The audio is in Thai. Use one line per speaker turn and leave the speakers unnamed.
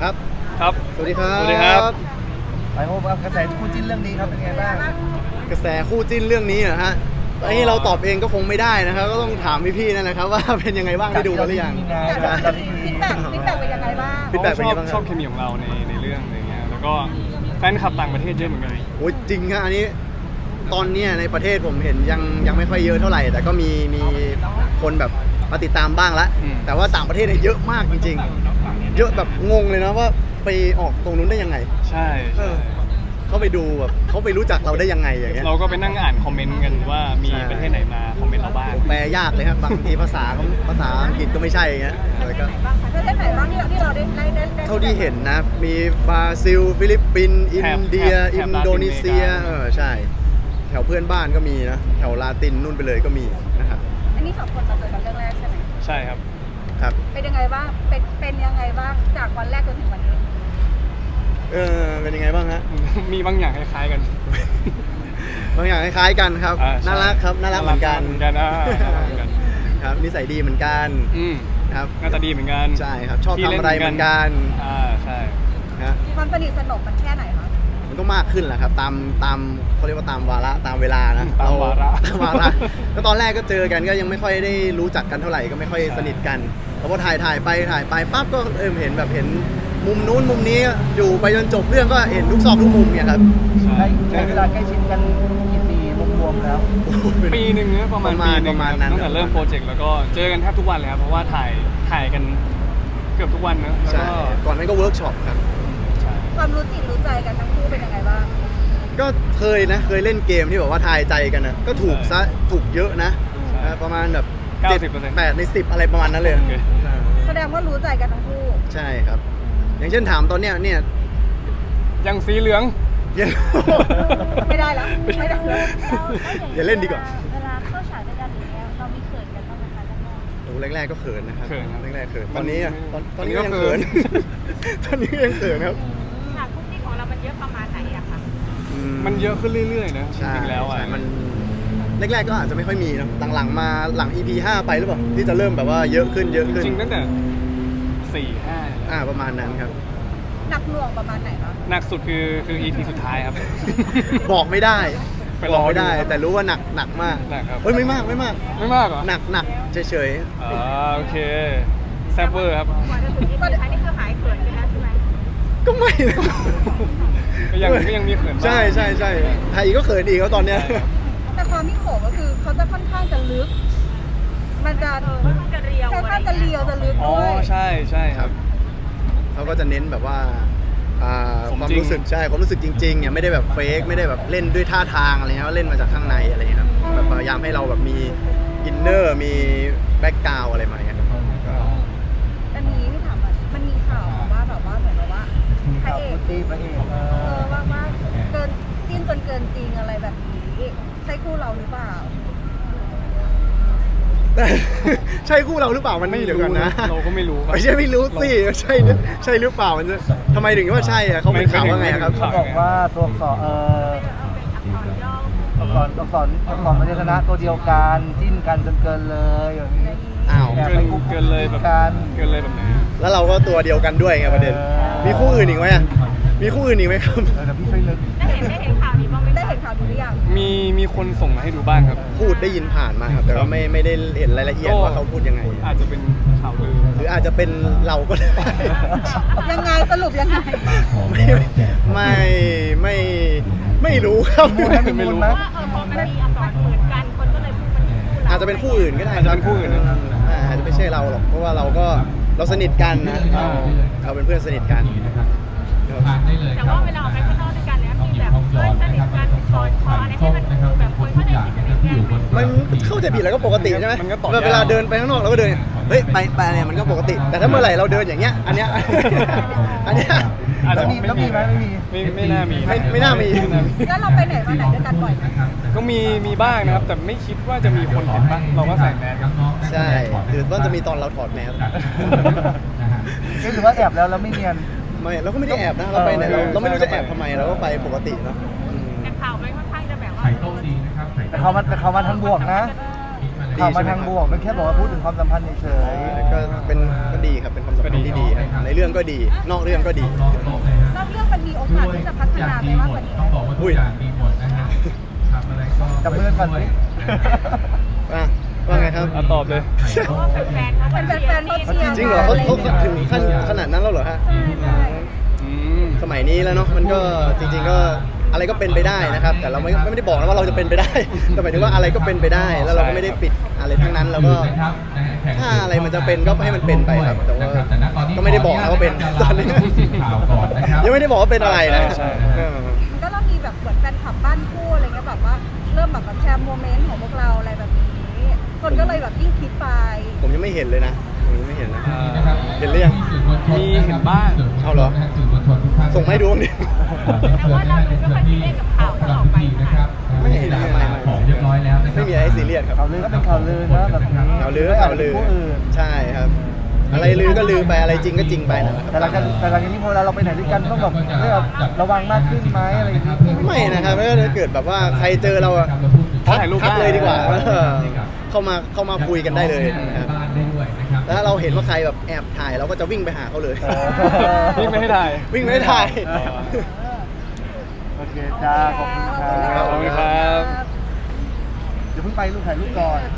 ครับ
ครับ
สวัสดีครับ
สวัสดีครับ
ไปพบกับกระแสคู่จิ้นเรื่องนี้ครับเป็นไงบ้าง
กระแสคู่จิ้นเรื่องนี้เหรอฮะไอ้เราตอบเองก็คงไม่ได้นะครับก็ต้องถามพี่ๆนั่นแหละครับว่าเป็นยังไงบ้างได้ดูกันหรือยัง
ฟีดแบ็กเป็นยังไงบ้าง
ฟีดแบ็กเป็นยังไงบ้างครับ
ชอบเคมีของเราในเรื่องอะไรเงี้ยแล้วก็แฟนคลับต่างประเทศเยอะเหมือนกัน
โอ้ยจริงฮะอันนี้ตอนเนี้ยในประเทศผมเห็นยังไม่ค่อยเยอะเท่าไหร่ แต่ก็มีคนแบบมาติดตามบ้างละแต่ว่าต่างประเทศเนี่ยเยอะมากจริงๆเยอะแบบงงเลยนะว่าไปออกตรงนู้นได้ยังไง
ใช่ใช่
เขาไปดูแบบเขาไปรู้จักเราได้ยังไงอย่างเงี้ย
เราก็ไปนั่งอ่านคอมเมนต์กันว่ามี
ใช่
ประเทศไหนมาคอมเมนต์เราบ้าง
แปลยากเลยครับบางทีภาษาอังกฤษก็ไม่ใช่อย่างเงี้ยแล้วก็
ประเทศไหนบ้างที่เราได้
เท่าที่เห็นนะมีบราซิลฟิลิปปินส์อินเดีย
แถ
อิ
บ
นโดนีเซียใช่แถวเพื่อนบ้านก็มีนะแถวลาตินนู่นไปเลยก็มีนะครับ
อันนี้2 คนมาเจอกันเรื่องแรกใช่ไหม
ใช่ครับ
ครับ
เป็นยังไงบ้างเป็นยังไงบ้างจากวันแรกจนถึงวันนี้
เป็นยังไงบ้างฮะ
มีบางอย่างคล้ายๆกัน
บางอย่างคล้ายๆกันครับ
อ่าใช่
น่ารักครับน่ารักเหมือนกัน
น่ารักเหมือนกันน่ารักเหมือนกัน
ครับนิสัยดีเหมือนกัน
อืม
ครับ
หน้าตาดีเหมือนกัน
ใช่ครับชอบทำอะไรเหมือนกัน
ใช่
ฮะ
ความสนิทสนมมันแค่ไหนคะ
มันก็มากขึ้นแหละครับตามเขาเรียกว่าตามวาระตามเวลานะ
ตามวาระ
ตามวาระก็ตอนแรกก็เจอกันก็ยังไม่ค่อยได้รู้จักกันเท่าไหร่ก็ไม่ค่อยสนิทกันแล้วพอถ่ายไปปั๊บก็เห็นแบบเห็นมุมนู้นมุมนี้อยู่ไปจนจบเรื่องก็เห็นทุกซอกทุกมุมเนี่ยครับ
ใช่
ใช้เวลาใกล้ชิดกันกี่ปีรวมๆแล้ว
ปีหนึ่งนะประมาณปีหนึ่ง
ประมาณนั้น
ตั้งแต่เริ่มโปรเจกต์แล้วก็เจอกันแทบทุกวันเลยครับเพราะว่าถ่ายกันเกือบทุกวันนะแล้ว
ใช่
ก็
ก่อนนั้นก็เวิร์กช็อปครับ
ใช่
ความรู้จิตรู้ใจกันทั้งคู่เป็นยังไงบ้าง
ก็เคยเล่นเกมที่แบบว่าทายใจกันนะก็ถูกเยอะนะประมาณแบบ8 ใน 10อะไรประมาณนั้นเลย
แสดงว่ารู้ใจกันทั้งคู่
ใช่ครับ อย่างเช่นถามตอนเนี้ยเนี่ย
ยังสีเหลือง
ยัง
ไม่ได้แล้วไม่ได้แล้ว
อย่าเล่นดีกว่า
เวลาเข้าฉากด้วยกันอย่างเงี้ยเรามีเขินกันบ้างไหมคะแรก
โอ้แรกๆก็เขินนะครับ
เขินครับ
แรกๆเขินตอนนี้อะ
มัน
ตอนนี้ก็ยังเขิน ตอนนี้ก็ยังเขินครับ
ๆฉากคุกกี้ของเรามันเยอะประมาณไหนอะคะ
มันเยอะขึ้นเรื่อยๆนะจ
ใช่
ริงๆแล้วอ่ะ
ใช่มันแรกๆก็อาจจะไม่ค่อยมีนะหลังๆมาหลัง EP 5ไปหรือเปล่าที่จะเริ่มแบบว่าเยอะขึ้น
จริงๆตั้งแต่4-5
ประมาณนั้นครับ
หนักหน่วงประมาณไหนคะ
หนักสุดคือ EP สุดท้ายครับ
บอกไม่ได้
ไป
บ
ร
อ
อก
ไม่ได้
ดูครับ
แต่รู้ว่าหนักมาก
หนักครับ
เฮ้ยไม่มาก
ไม่มากเหรอ
หนักเฉย
โอเคแซบเวอร์ครับ
กว่าจะถึงที่สุดท้ายนี่คือหายเขินกันแล้วใช่ไหม
ๆก็ไม่นะ
ก็ยังมีเขินบ้าง
ใช่ไทยก็เขินอีกแล้วตอนเนี้ย
ใช่ครับ
แต่ความที่โขก็คือเขาจะค่อนข้างจะลึก มันจะ
ค่อนข้างจะเรียว
ค่อนข้างจะเรียวจะลึก
อ๋อ
ด้วย
ใช่ครับ
เขาก็จะเน้นแบบว่า
สม
ความ
จริง
รู้สึกความรู้สึกจริงๆเนี่ยไม่ได้แบบเฟกไม่ได้แบบเล่นด้วยท่าทางอะไรเงี้ยเล่นมาจากข้างในอะไรเงี้ยครับแบบพยายามให้เราแบบมีอินเนอร์มีแบ็กกราวอะไรมาเงี้ยครับก็
อันนี้ที่ถามอ่ะมันมีข่าวมาว่าแบบว่าเหมือนแบบว่าพระ
ข่าว
เอ
คู่
ก
จิ้นพระเอก
ว่าเกินจิ้นจนเกินจริงอะไรแบบนี้ใช่คู่เราหรือเปล่า
แต่ ใช่คู่เราหรือเปล่ามันเดี๋ยวกันนะ
เราก็ไม่รู้ครับ
ไม่รู้สิใช่หรือเปล่ามันจะทำไมถึงว่าใช่อะเขาเป็นข่าวว่าไงครับ
เขาบอกว่าตัวอักษรตัวอักษรพยัญชนะตัวเดียวกันจิ้นกันจนเกินเลยอย่างนี้
อ้าว
เกินเลยแบบ
กัน
เกินเลยแบบไหน
แล้วเราก็ตัวเดียวกันด้วยไงประเด็น มีคู่อื่นอีกไหมอะมีคู่อื่นอีกไหมครับ
แต่พี่ช่วยนึก
ได้เห็นข่าวนี้บ้างไหม
ได้เห็นข่าวนี้หรือยัง
มีคนส่งมาให้ดูบ้างครับ
พูดได้ยินผ่านมาครับแต่ว่าไม่ได้เห็นรายละเอียดว่าเขาพูดยังไง
อาจจะเป็นข่าวลือ
หรืออาจจะเป็นเราก็ได้
ยังไงสรุปยังไง
ไม่รู้ครับ
ไม่รู้
ว่าพอมันมีอักษรเหมือนกันคนก็เลยพูดมันคู่เรา
อาจจะเป็นคู่อื่นก็ได้
อาจจะเป็นคู่อื่นนะ
อาจจะไม่ใช่เราหรอกเพราะว่าเราสนิทกันนะเราเป็นเพื่อนสนิทกัน
แต่ว่าเวลาออกไปข้างนอกด้วยกันเนี่ยมีแบบเพื่อนสนิทกันกอดคออะไรให้มันดูแบบคนเข้าใจผิดจะไม่แก้ไหม
มันเข้าใจผิดแล้วก็ปกติใช่ไหม
มันก็ต่อยาว
เวลาเดินไปข้างนอกเราก็เดินเฮ้ยไปเนี่ยมันก็ปกติ แต่ถ้าเมื่อไหร่เราเดินอย่างเงี้ยอันเนี้ย
อาจจะ
แล้วมีไหมไม่มี
ไม่น่ามี
ไม่น่ามี
แล้วเราไปไหนมาไหนด้วยกันบ่อยไหม
ก็มีบ้างนะครับ แต่ไม่คิดว่าจะมีคนเห็นบ้างเราก็ใส่แมสครับ
ใช่หรือว่าจะมีตอนเราถอดแมส
หรือว่าแอบแล้วไม่เนียน
ไม่เราก็ไม่ได้แอบนะเราไปไหนเราไม่รู้จะแอบทำไมเราก็ไปปกติเนาะ
แต่ข่าวมันค่อนข้างจะแบบว่า
แต่เขามาทั้งบวกนะ
เ
ข่าวมาทางบวกมันแค่บอกว่าพูดถึงความสัมพันธ์เฉย
ก็ดีครับเป็นความสัมพันธ์ที่ดีครับในเรื่องก็ดีนอกเรื่องก็ดี
นอกเรื่องมันมีโอกาสที่จะพัฒนาไปมากกว่านี้ไหม
ต้องบอกว่าทุกอย่างดีหมดนะฮะทำอะไรก็
ๆจับมือกันก่อนสิ
ว่าไงครับ
ตอบเลย
เพราะว่าแฟนๆเขา
เป็นแฟนๆเขาเชียร์
จริงเหรอเขาถึงขั้นขนาดนั้นแล้วเหรอฮะ
ใช่
อืม
สมัยนี้แล้วเนาะมันก็จริง ๆก็อะไรก็เป็นไปได้นะครับ แต่เราไม่ได้บอกนะว่าเราจะเป็นไปได้ แต่หมายถึงว่าอะไรก็เป็นไปได้ แล้วเราก็ไม่ได้ปิดอะไรทั้งนั้นแล้วก็ถ้าอะไรมันจะเป็นก็ให้มันเป็นไปครับ แต่ว่าก็ไม่ได้บอกนะว่าเป็นตอนนี้
ข่าวก่อนนะครับ
ยังไม่ได้บอกว่าเป็นอะไรนะ
ใช่
มันก็เริ่มมีแบบเหมือนแฟนคลับบ้านคู่อะไรเงี้ยแบบว่าเริ่มแบบแชร์โมเมนต์ของพวกเราอะไรแบบนี้คนก็เลยแบบยิ่งคิดไป
ผมยังไม่เห็นเลยนะผมยังไม่เห็นนะ
นะครับ
เห็นหรือยัง
มีเห็นบ้าง
เอาเหรอ
สื่อมวลชนทุกท่าน
ส่งมาให้ดูบ้างดิ
แต่ว่าเราดูไม่ค่อยซีเรียสกับข่าวที่ออกไป
นะครับ
ไม่เห็นนะไม่
ของเรียบร้อยแล้วนะครับ
ไม่มีอะไรให้ซีเรียสครับ
ข่าวลือก็เป็นข่าวลือนะแบบนี้
ข่าวลือก็
ไม่
ข่าวลือ
ผู้อื่น
ใช่ครับ อะไรลือก็ลือไปอะไรจริงก็จริงไปนะครับ
แต่หลังจากนี้พอเราไปไหนด้วยกันต้องแบบระวังมากขึ้นไหมอะไรอย่างนี้
ไม่นะครับถ้าเกิดแบบว่าใครเจอเราอะ
ถ่ายรูปได้
ทักเลยดีกว่าเข้ามาคุยกันได้เลยนะครับ
บ้านได้ด้วยนะครับ
แล้วถ้าเราเห็นว่าใครแบบแอบถ่ายเราก็จะวิ่งไปหาเขาเลย
วิ่งไม่ให้ถ่าย
วิ่งไม่ได้ถ่าย
โอเคจ้าขอบคุณครับ
ขอบคุณครับ
เดี๋ยวเพิ่งไปลูกถ่ายรูปก่อน